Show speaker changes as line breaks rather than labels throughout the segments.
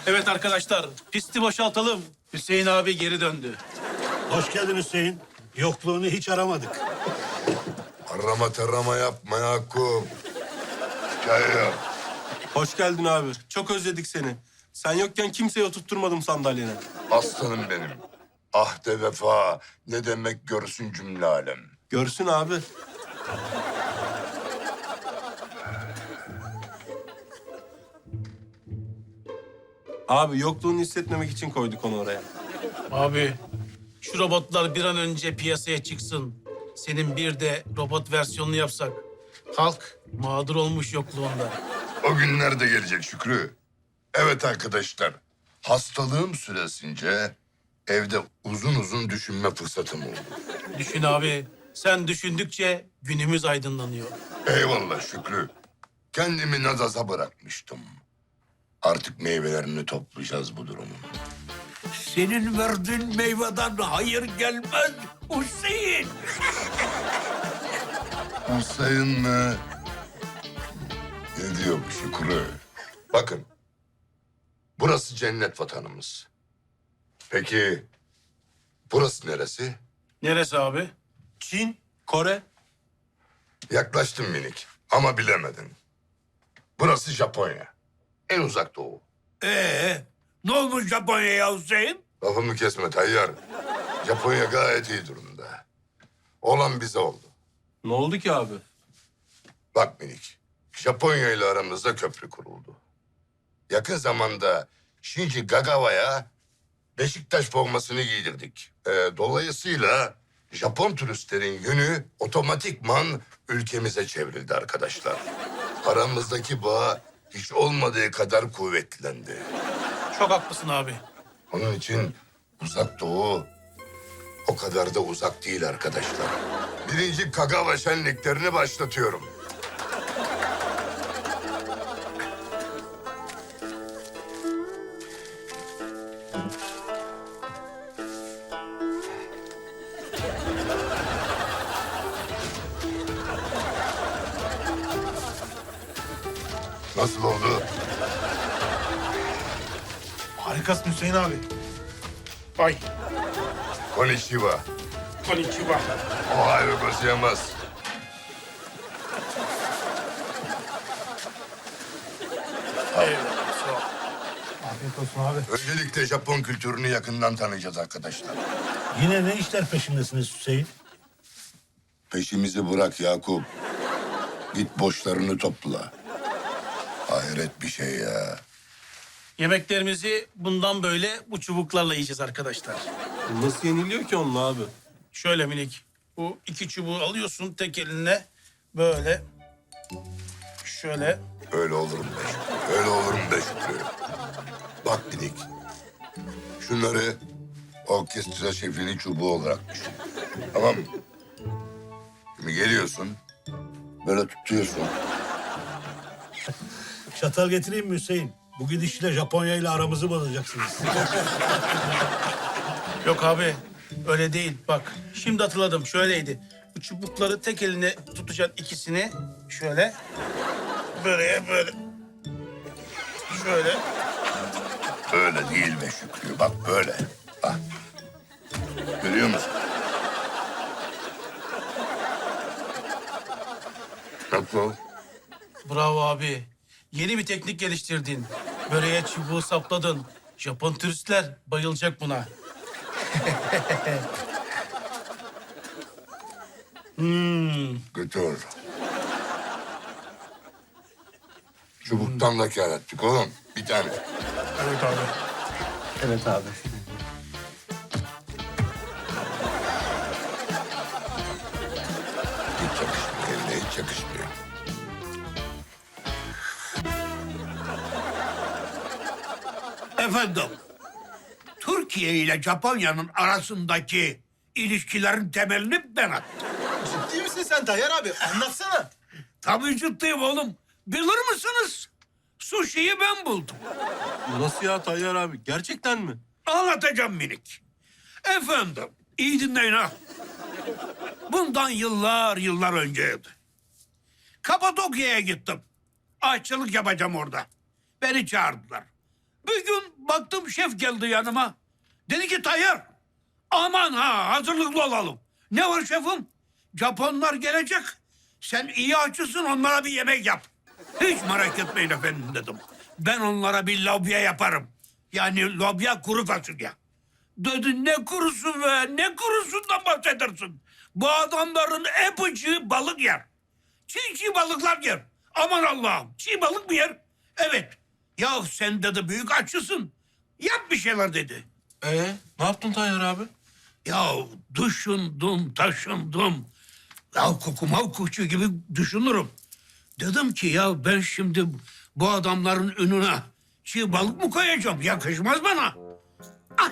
Evet arkadaşlar, pisti boşaltalım. Hüseyin abi geri döndü.
Hoş geldin Hüseyin. Yokluğunu hiç aramadık.
Arama tarama yapma Yakup. Hikaye yap.
Hoş geldin abi. Çok özledik seni. Sen yokken kimseye oturtturmadım sandalyene.
Aslanım benim. Ahde vefa ne demek görsün cümle alem.
Görsün abi. Abi yokluğunu hissetmemek için koyduk onu oraya.
Abi, şu robotlar bir an önce piyasaya çıksın. Senin bir de robot versiyonunu yapsak. Halk mağdur olmuş yokluğunda.
O günler de gelecek Şükrü. Evet arkadaşlar. Hastalığım süresince evde uzun uzun düşünme fırsatım oldu.
Düşün abi, sen düşündükçe günümüz aydınlanıyor.
Eyvallah Şükrü. Kendimi nazaza bırakmıştım. Artık meyvelerini toplayacağız bu durumun.
Senin verdiğin meyveden hayır gelmez Hüseyin.
Hüseyin mi? Ne diyor bu Şükrü? Bakın. Burası cennet vatanımız. Peki burası neresi?
Neresi abi?
Çin, Kore.
Yaklaştın minik ama bilemedin. Burası Japonya. En uzak doğu.
Ne olmuş Japonya'ya Hüseyin?
Lafımı kesme Tayyar. Japonya gayet iyi durumda. Olan bize oldu.
Ne oldu ki abi?
Bak minik, Japonya ile aramızda köprü kuruldu. Yakın zamanda Shinji Kagawa'ya Beşiktaş formasını giydirdik. Dolayısıyla Japon turistlerin yönü otomatikman ülkemize çevrildi arkadaşlar. Aramızdaki bağ hiç olmadığı kadar kuvvetlendi.
Çok haklısın abi.
Onun için uzak doğu o kadar da uzak değil arkadaşlar. Birinci Kagawa şenliklerini başlatıyorum. Nasıl oldu?
Harikasın Hüseyin abi. Ay,
Konnichiwa.
konnichiwa.
Ohio gozaimasu.
Eyvallah, sağ ol. Afiyet olsun abi.
Öncelikle Japon kültürünü yakından tanıyacağız arkadaşlar.
Yine ne işler peşindesiniz Hüseyin?
Peşimizi bırak Yakup. Git boşlarını topla. Hayret bir şey ya.
Yemeklerimizi bundan böyle bu çubuklarla yiyeceğiz arkadaşlar.
Nasıl yeniliyor ki onunla abi?
Şöyle minik. Bu iki çubuğu alıyorsun tek eline. Böyle. Şöyle.
Öyle olur mu be Şükrü? Öyle olur mu be Şükrü? Bak minik. Şunları orkestra şefinin çubuğu olarak düşün. Tamam mı? Şimdi geliyorsun. Böyle tutuyorsun.
Çatal getireyim mi Hüseyin? Bu gidişle Japonya ile aramızı bozacaksınız.
Yok abi. Öyle değil. Bak. Şimdi hatırladım. Şöyleydi. Bu çubukları tek eline tutacaksın ikisini. Şöyle. Böyle böyle. Şöyle.
Öyle değil be Şükrü. Bak böyle. Bak. Görüyor musun? Nasıl?
Bravo abi. Yeni bir teknik geliştirdin. Böreğe çubuğu sapladın. Japon turistler bayılacak buna.
Götür. Çubuktan da kâr ettik oğlum. Bir tane.
Evet abi.
Evet abi.
Hiç yakışmıyor. Eline hiç yakışmıyor.
Efendim, Türkiye ile Japonya'nın arasındaki ilişkilerin temelini ben attım.
Ciddi misin sen Tayyar abi? Anlatsana.
Tabii ciddiyim oğlum. Bilir misiniz? Sushi'yi ben buldum.
Nasıl ya Tayyar abi? Gerçekten mi?
Anlatacağım minik. Efendim, iyi dinleyin ha. Bundan yıllar önceydi. Kapadokya'ya gittim. Aşçılık yapacağım orada. Beni çağırdılar. Bir gün baktım şef geldi yanıma. Dedi ki Tayyar, aman ha hazırlıklı olalım. Ne var şefim? Japonlar gelecek. Sen iyi aşçısın, onlara bir yemek yap. Hiç merak etmeyin efendim dedim. Ben onlara bir lobya yaparım. Yani lobya kuru fasulye. Dedi ne kurusu be, ne kurusundan bahsedersin? Bu adamların hepsi balık yer. Çiğ balıklar yer. Aman Allah'ım, çiğ balık mı yer? Evet. Ya sen dedi büyük aşçısın. Yap bir şeyler dedi.
Ne yaptın Tayyar abi?
Ya düşündüm, taşındım. Ya kokumav kuşu gibi düşünürüm. Dedim ki ya ben şimdi bu adamların önüne çiğ balık mı koyacağım? Yakışmaz bana. Ah!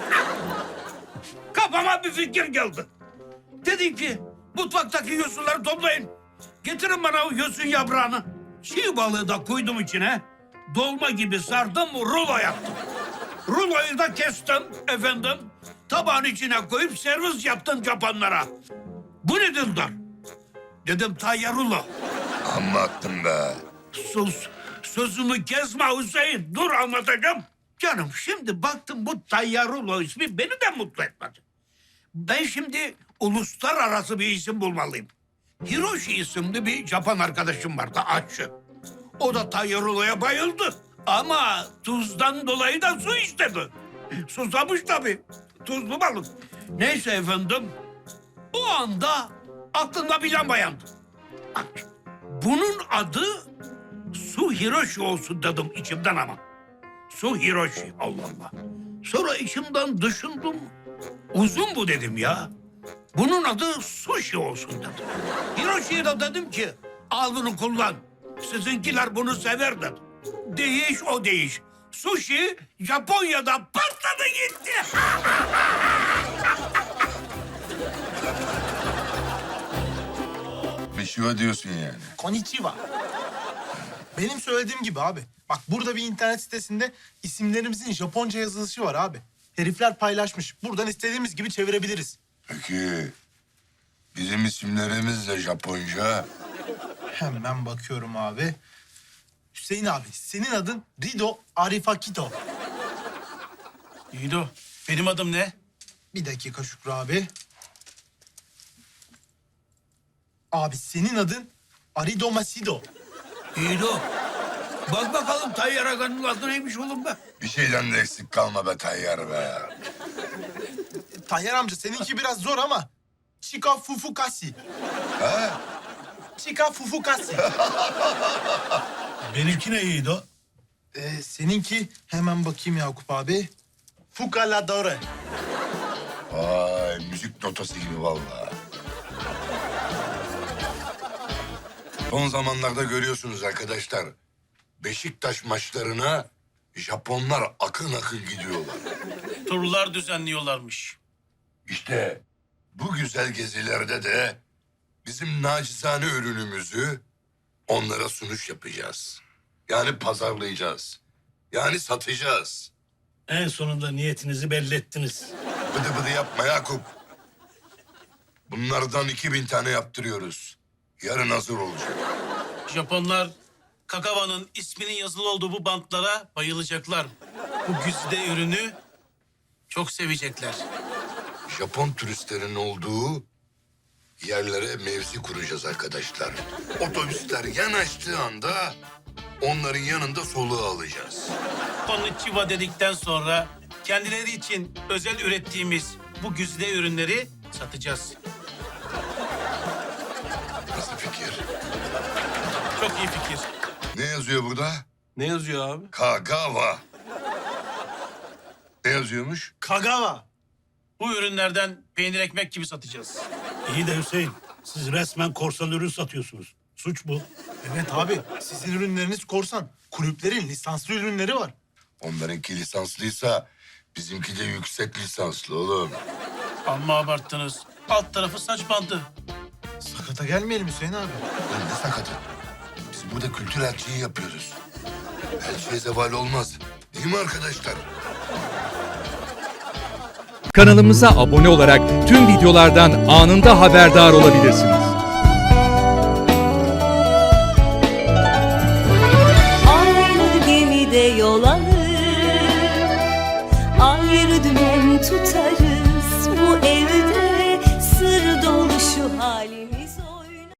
Kafama bir fikir geldi. Dedim ki mutfaktaki yosunları toplayın. Getirin bana o yosun yaprağını. Çiğ balığı da koydum içine. Dolma gibi sardım, rulo yaptım. Ruloyu da kestim efendim. Tabağın içine koyup servis yaptım Japonlara. Bu ne dediler? Dedim Tayyar rulo.
Amma attım be.
Sus, sözümü kesme Hüseyin. Dur anlatacağım. Canım şimdi baktım bu Tayyar rulo ismi beni de mutlu etmedi. Ben şimdi uluslararası bir isim bulmalıyım. Hiroshi isimli bir Japon arkadaşım vardı, aşçı. O da Tayyar ruloya bayıldı. Ama tuzdan dolayı da su istedi. Susamış tabii. Tuzlu balık. Neyse efendim. O anda aklımda bir lamba yandı. Bak, bunun adı Su Hiroshi olsun dedim içimden ama. Su Hiroshi, Allah Allah. Sonra içimden düşündüm. Uzun bu dedim ya. Bunun adı sushi olsun dedim. Hiroshi'ye de dedim ki al bunu kullan. Sizinkiler bunu sever dedim. Değiş o değiş. Sushi Japonya'da patladı gitti.
Meşhur diyorsun yani.
Konnichiwa. Benim söylediğim gibi abi. Bak burada bir internet sitesinde isimlerimizin Japonca yazılışı var abi. Herifler paylaşmış. Buradan istediğimiz gibi çevirebiliriz.
Peki bizim isimlerimiz de Japonca.
Hemen bakıyorum abi. Hüseyin abi, senin adın Rido Arifakito.
Yiğido, benim adım ne?
Bir dakika Şükrü abi. Abi senin adın Arido Masido.
İyi de o. Bak bakalım Tayyar Aga'nın adı neymiş oğlum be.
Bir şeyden de eksik kalma be Tayyar be.
Tayyar amca seninki biraz zor ama. Chika Fufukasi.
Ha?
Chika Fufukasi.
Benimki ne iyiydi o?
Seninki hemen bakayım Yakup abi. Fukaladore.
Vay müzik notası gibi vallahi. Son zamanlarda görüyorsunuz arkadaşlar. Beşiktaş maçlarına Japonlar akın akın gidiyorlar.
Turlar düzenliyorlarmış.
İşte bu güzel gezilerde de bizim nacizane ürünümüzü onlara sunuş yapacağız. Yani pazarlayacağız. Yani satacağız.
En sonunda niyetinizi belli ettiniz.
Bıdı bıdı yapma Yakup. Bunlardan 2000 tane yaptırıyoruz. Yarın hazır olacak.
Japonlar Kakava'nın isminin yazılı olduğu bu bantlara bayılacaklar. Bu güzide ürünü çok sevecekler.
Japon turistlerin olduğu yerlere mevzi kuracağız arkadaşlar. Otobüsler yanaştığı anda onların yanında soluğu alacağız.
Konnichiwa dedikten sonra kendileri için özel ürettiğimiz bu güzide ürünleri satacağız.
Nasıl fikir?
Çok iyi fikir.
Ne yazıyor burada?
Ne yazıyor abi?
Kagawa. Ne yazıyormuş?
Kagawa.
Bu ürünlerden peynir ekmek gibi satacağız.
İyi de Hüseyin, siz resmen korsan ürün satıyorsunuz. Suç bu.
Evet abi, sizin ürünleriniz korsan. Kulüplerin lisanslı ürünleri var.
Onlarınki lisanslıysa bizimki de yüksek lisanslı oğlum.
Amma abarttınız. Alt tarafı saç bandı.
Sakata gelmeyelim Hüseyin abi.
Lan ne sakatı? Biz burada kültür elçiliği yapıyoruz. Elçiye zeval olmaz. Değil mi arkadaşlar?
Kanalımıza abone olarak tüm videolardan anında haberdar olabilirsiniz.
Aynı gemide yol alır bir dümen tutarım.